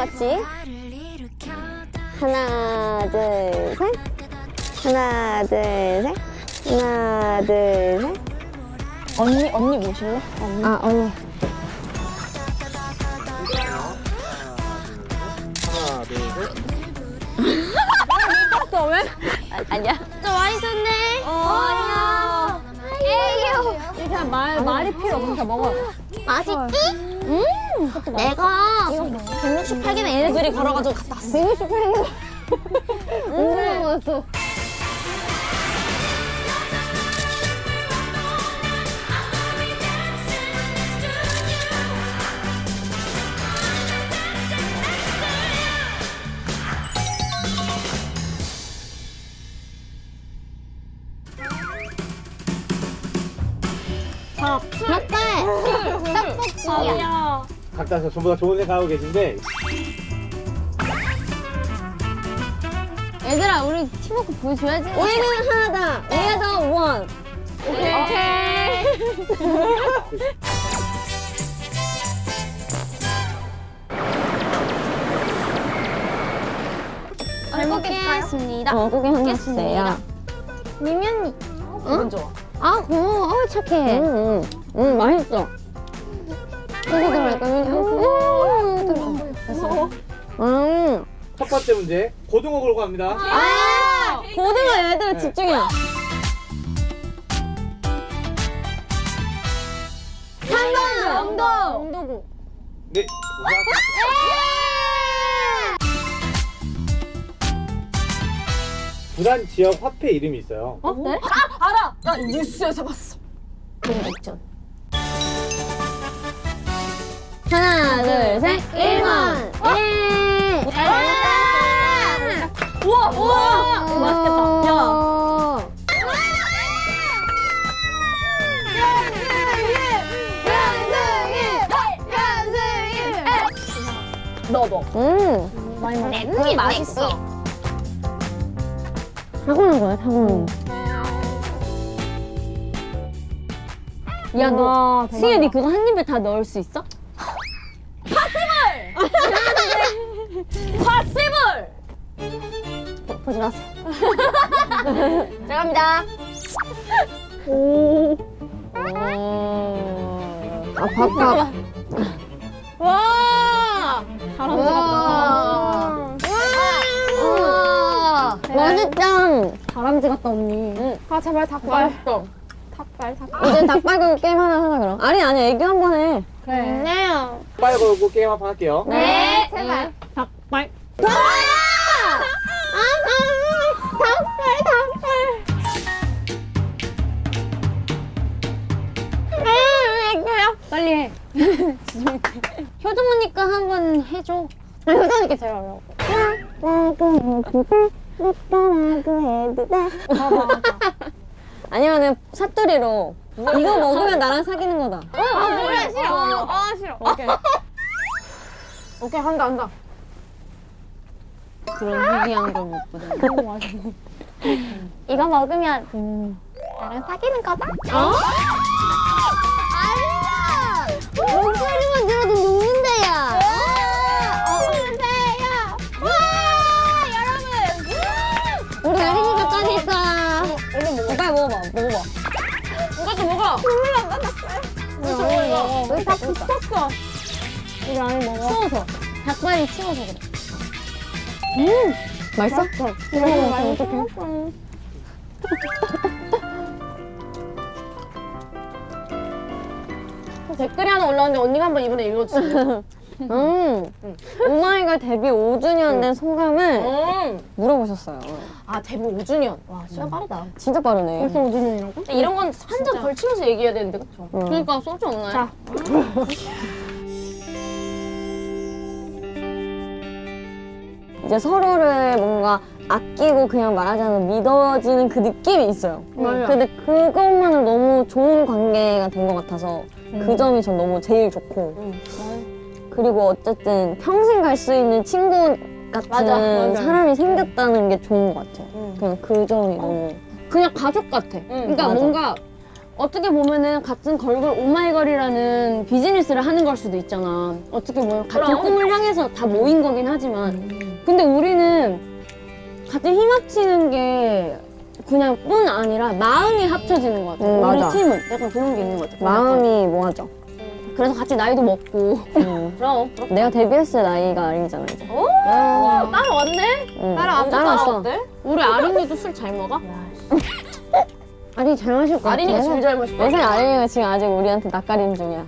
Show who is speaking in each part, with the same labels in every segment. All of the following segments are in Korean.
Speaker 1: 같이. 하나, 둘, 셋. 하나, 둘, 셋. 하나, 둘, 셋.
Speaker 2: 언니 모실래? 언니.
Speaker 1: 아, 언니.
Speaker 3: 하나, 둘, 셋.
Speaker 2: 또 왜?
Speaker 1: 아니야. 좀 많이 썼네. 아니야. 에이요.
Speaker 2: 이렇게 말이 필요 없으니까 먹어요.
Speaker 1: 맛있지? 내가 168개는 얘네들이 걸어가지고 갔다 왔어. 168개? 얼마나 먹었어? 닭발! 떡볶이야.
Speaker 3: 각자 전부 다 좋은 생각하고 계신데
Speaker 1: 얘들아, 우리 팀워크 보여줘야지. 우리는 하나다. 우리가 더 원. 오케이. 잘 먹겠습니다. 구경하겠습니다. 미면이.
Speaker 2: 기분 좋아.
Speaker 1: 아, 고마워. 착해. 맛있어. 여기 들어갈까?
Speaker 3: 첫 번째 문제 고등어 걸고 갑니다.
Speaker 1: 고등어 얘들아 집중해. 3번 영도구.
Speaker 3: 네. 부산 지역 화폐 이름이 있어요.
Speaker 1: 네?
Speaker 2: 알아! 나 뉴스에서 봤어.
Speaker 1: 공백전. 하나, 둘, 셋. 1번. 예.
Speaker 2: 우와! 맛있겠다. 야. 넣어.
Speaker 1: 많이 먹어. 랩이 맛있어. 타고난 거야, 타고난 거. 야, 너 승혜, 니 그거 한 입에 다 넣을 수 있어?
Speaker 2: 파시블!
Speaker 1: 보지 마세요. 들어갑니다. 오. 아, 밥밥.
Speaker 2: 와! 다람쥐
Speaker 1: 와. 맛있다.
Speaker 2: 다람쥐 같다, 언니. 아, 제발 닭발. 맛있어. 닭발.
Speaker 1: 이제 닭발 걸고 게임 하나 그럼. 아니, 애교 한 번 해.
Speaker 2: 그래.
Speaker 1: 네요.
Speaker 3: 빨 걸고 게임 한번 할게요.
Speaker 1: 네, 제발.
Speaker 2: 닭발.
Speaker 1: 닭발.
Speaker 2: 빨리 해.
Speaker 1: 효정언니까 한번 해줘. 효정언니께 제일 어려워. 아니면은 사투리로 이거 먹으면 나랑 사귀는 거다.
Speaker 2: 그래, 싫어. 싫어. 오케이. 오케이, 한다.
Speaker 1: 그런 희귀한 걸 못 보다. 이거 먹으면 나랑 사귀는 거다? 아니야! 목소리만 들어도 녹는데야. 녹는데야. 와, 여러분. 우리 어린이집까지 있어.
Speaker 2: 얼른 먹어.
Speaker 1: 빨리 먹어봐.
Speaker 2: 이것도 먹어.
Speaker 1: 우리 다 붙었어.
Speaker 2: 이거 안에 먹어.
Speaker 1: 추워서. 닭발이 추워서 그래. 맛있어?
Speaker 2: 이거 많이 어떡해. 댓글이 하나 올라왔는데 언니가 한번 이번에 읽어주세요.
Speaker 1: 오마이걸 데뷔 5주년 된 소감을 물어보셨어요.
Speaker 2: 아, 데뷔 5주년. 와, 시간 빠르다.
Speaker 1: 진짜 빠르네.
Speaker 2: 벌써 5주년이라고? 이런 건 한 점 걸치면서 얘기해야 되는데, 그쵸?
Speaker 1: 그러니까 소주 없나요?
Speaker 2: 자.
Speaker 1: 이제 서로를 뭔가 아끼고 그냥 말하지 않아도 믿어지는 그 느낌이 있어요.
Speaker 2: 맞아요.
Speaker 1: 근데 그것만은 너무 좋은 관계가 된 것 같아서 그 점이 전 너무 제일 좋고 그리고 어쨌든 평생 갈 수 있는 친구 같은
Speaker 2: 맞아.
Speaker 1: 사람이 생겼다는 게 좋은 것 같아요. 그냥 그 점이 너무
Speaker 2: 그냥 가족 같아. 그러니까
Speaker 1: 맞아.
Speaker 2: 뭔가
Speaker 1: 어떻게 보면은 같은 걸그룹 오마이걸이라는 비즈니스를 하는 걸 수도 있잖아. 어떻게 보면 같은
Speaker 2: 그럼.
Speaker 1: 꿈을 향해서 다 모인 거긴 하지만 근데 우리는 같은 힘 합치는 게 그냥 뿐 아니라 마음이 합쳐지는 것 같아. 우리
Speaker 4: 맞아.
Speaker 1: 팀은 약간 그런 게 있는 것 같아.
Speaker 4: 마음이 뭐하죠?
Speaker 1: 그래서 같이 나이도 먹고
Speaker 2: 그럼.
Speaker 4: 내가 데뷔했을 나이가 아린이잖아 이제.
Speaker 2: 따라왔네?
Speaker 4: 응.
Speaker 2: 따라왔어.
Speaker 1: 따라왔어. 우리 아린이도 술 잘 먹어?
Speaker 4: 아린이 잘 마실 것 같아.
Speaker 2: 아린이가 제일 잘 마실
Speaker 4: 내 생각에 아린이가 지금 아직 우리한테 낯가림 중이야.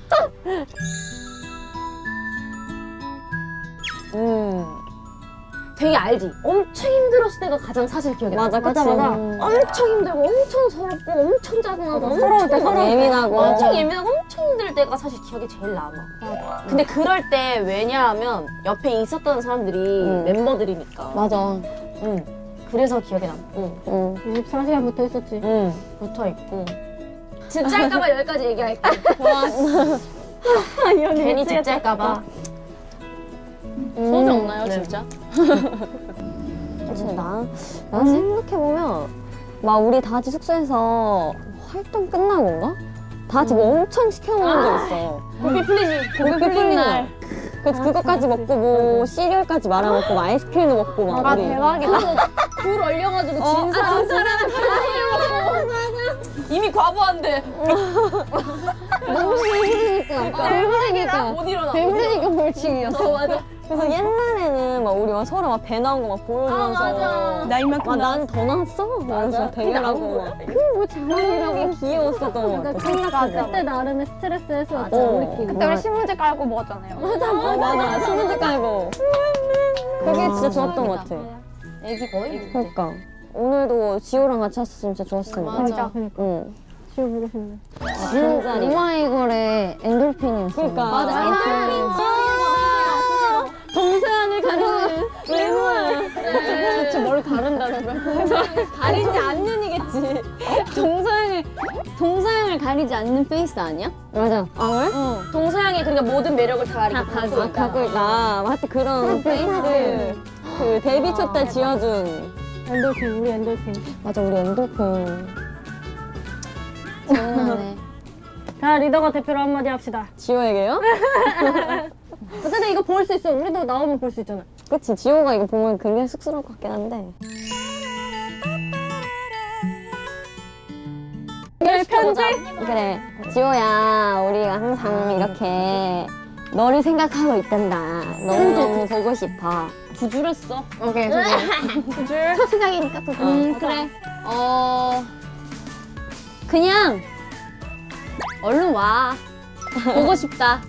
Speaker 1: 되게 알지? 엄청 힘들었을 때가 가장 사실 기억이 나.
Speaker 4: 맞아, 그치.
Speaker 1: 엄청 힘들고 엄청 서럽고 엄청 짜증나고
Speaker 4: 서러울 때
Speaker 1: 엄청
Speaker 4: 예민하고.
Speaker 1: 엄청 예민하고 엄청 힘들 때가 사실 기억에 제일 남아. 근데 그럴 때 왜냐하면 옆에 있었던 사람들이 멤버들이니까.
Speaker 4: 맞아.
Speaker 1: 그래서 기억에 남고.
Speaker 4: 24시간 붙어 있었지.
Speaker 1: 붙어 있고. 집 짤까봐 여기까지 얘기할게. 괜히 집 짤까봐. 소주 없나요, 진짜?
Speaker 4: 사실 난 생각해보면 막 우리 다 같이 숙소에서 활동 끝나고인가? 다 같이 뭐 엄청 시켜 먹은 적 있어.
Speaker 1: 고삐 풀리지.
Speaker 4: 고삐 풀린 날. 그거까지 먹고 뭐 시리얼까지 말아 먹고 막 아이스크림도 먹고 막
Speaker 2: 아,
Speaker 4: 우리.
Speaker 2: 대박이다.
Speaker 1: 불 얼려가지고 진 사람은 이미 과부한데.
Speaker 4: 너무 배부르니까.
Speaker 1: 못 일어나.
Speaker 4: 배부르니까 벌칙이었어.
Speaker 1: 맞아.
Speaker 4: 그래서 옛날에는 막 우리 막 서로 막 배 나온 거 막 보여주면서
Speaker 1: 맞아.
Speaker 2: 나 이만큼
Speaker 4: 난 더 나왔어? 그래서 대결하고 막 그뭐 장난이라고 귀여웠었던 것 같아.
Speaker 2: 그때
Speaker 4: 나름의 스트레스 해소였죠
Speaker 1: 우리끼리.
Speaker 2: 그때 우리 신문지 깔고 먹었잖아요.
Speaker 4: 맞아 신문지 깔고 그게 진짜 좋았던 것 같아.
Speaker 1: 애기 거의.
Speaker 4: 그러니까 오늘도 지호랑 같이 왔었으면 진짜 좋았을 텐데.
Speaker 1: 맞아.
Speaker 4: 응.
Speaker 2: 지호 보고 싶네.
Speaker 4: 진짜 오마이걸의 엔돌핀이었어. 그러니까
Speaker 1: 맞아. 엔돌핀.
Speaker 4: 동서양을 가리는 외모야.
Speaker 1: 저 머리 가른다는 거야.
Speaker 4: 가리지 않는이겠지. 동서양을 가리지 않는 페이스 아니야? 맞아. 아 왜?
Speaker 1: 동서양이 그러니까 모든 매력을 다 가리고
Speaker 4: 갖고 있다. 하여튼 그런 페이스. 그 데뷔 초 때 지어준.
Speaker 2: 엔돌핀, 우리 엔돌핀.
Speaker 4: 맞아 우리 엔돌핀.
Speaker 1: 장난해.
Speaker 2: 자, 리더가 대표로 한마디 합시다.
Speaker 4: 지호에게요?
Speaker 2: 어쨌든 이거 볼 수 있어. 우리도 나오면 볼 수 있잖아.
Speaker 4: 그치 지호가 이거 보면 굉장히 쑥스러울 것 같긴 한데.
Speaker 2: 편지?
Speaker 4: 그래 지호야 우리가 항상 이렇게 너를 생각하고 있단다. 너무너무 보고 싶어.
Speaker 1: 두 줄 했어.
Speaker 4: 오케이
Speaker 2: 줄.
Speaker 4: 첫 시작이니까 또
Speaker 1: 그래. 그냥 얼른 와. 보고 싶다.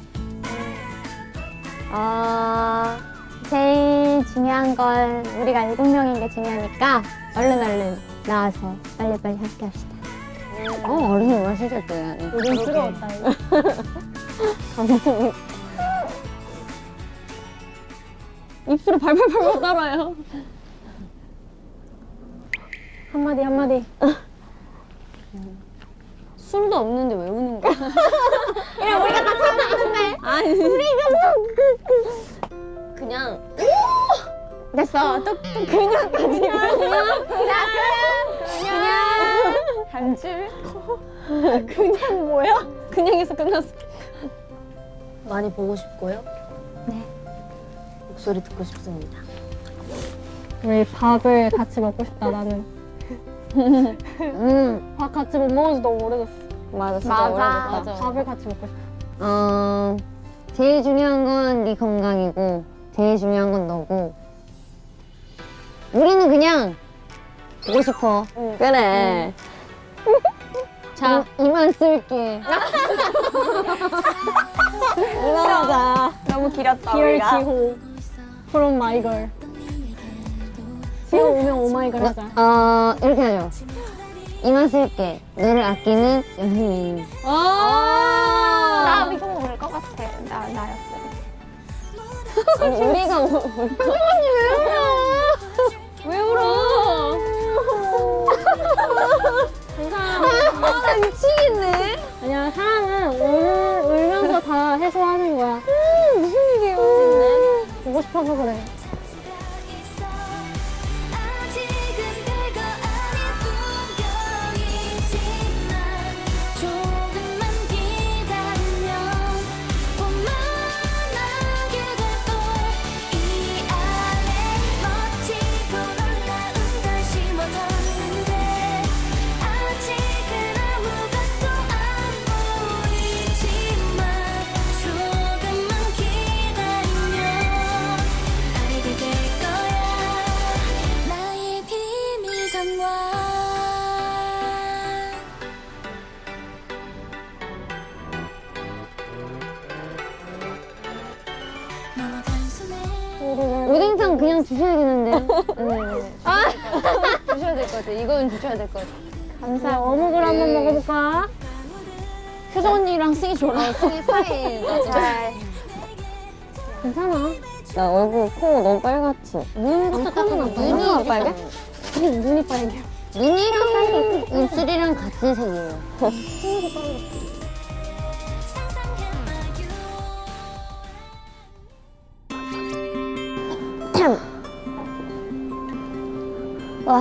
Speaker 4: 제일 중요한 건 우리가 7명인 게 중요하니까 얼른 나와서 빨리빨리 함께 합시다. 어른이 마시실 때.
Speaker 2: 요즘 뜨거웠다, 이거.
Speaker 4: 입술을 발발발발 따라요.
Speaker 2: 한마디.
Speaker 1: 술도 없는데 왜 우는 거야? 그냥
Speaker 4: 됐어. 또
Speaker 2: 한 줄.
Speaker 4: 그냥에서 끝났어.
Speaker 1: 많이 보고 싶고요. 네. 목소리 듣고 싶습니다.
Speaker 2: 우리 밥을 같이 먹고 싶다, 나는. 밥 같이 못 먹은 지 너무 오래됐어.
Speaker 4: 맞아 진짜 오래됐다.
Speaker 1: 맞아.
Speaker 2: 밥을 같이 먹고 싶어.
Speaker 4: 제일 중요한 건 네 건강이고 제일 중요한 건 너고 우리는 그냥 보고 싶어. 그래. 자 이만 쓸게. 올라가자.
Speaker 2: 너무 길었다, 디얼 지호. from 마이걸. 지호 오면 오마이걸 하자.
Speaker 4: 이렇게 하죠. 이만 쓸게. 너를 아끼는 연예인.
Speaker 2: 나 이거 모를 것 같아. 나였어.
Speaker 4: 우리가
Speaker 1: 왜 울어?
Speaker 4: 아 미치겠네.
Speaker 2: 아니야, 사랑은 울면서 다 해소하는 거야.
Speaker 4: 무슨 일이에요?
Speaker 2: 보고 싶어서 그래.
Speaker 5: 아직은 별거 아닌 풍경이지만
Speaker 4: 오뎅탕 그냥 주셔야겠는데요? 주셔야 될 것 같아. 이건 주셔야 될 것 같아. 감사합니다. 어묵을 한번 먹어볼까? 효정 언니랑 승희 좋아. 승희 사이. 괜찮아.
Speaker 1: 나 얼굴 코 너무 빨갛지?
Speaker 4: 눈부터 닦아놔.
Speaker 1: 눈이 빨개?
Speaker 4: 눈이 빨개. 눈이랑 입술이랑 같은 색이에요.
Speaker 1: 와.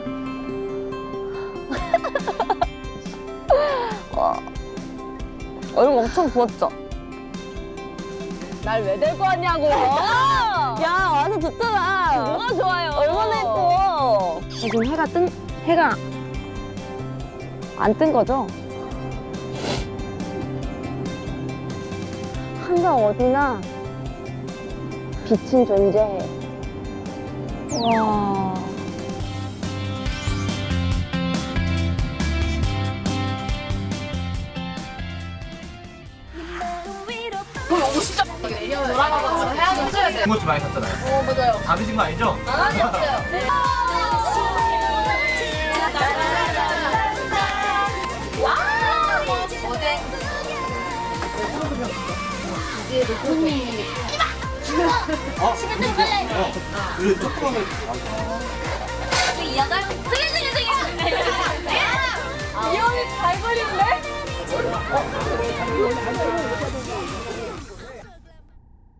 Speaker 1: 와. 얼굴 엄청 부었죠? 날 왜 데리고 왔냐고! 야, 와서 좋잖아! 뭐가 좋아요? 얼마나 예뻐! 지금 해가 안 뜬 거죠? 항상 어디나 빛은 존재해. 와.
Speaker 3: 군것질 많이 샀잖아요. 맞아요. 다 드신 거 아니죠? 그 조금은
Speaker 2: 이 형이 잘 걸리는데?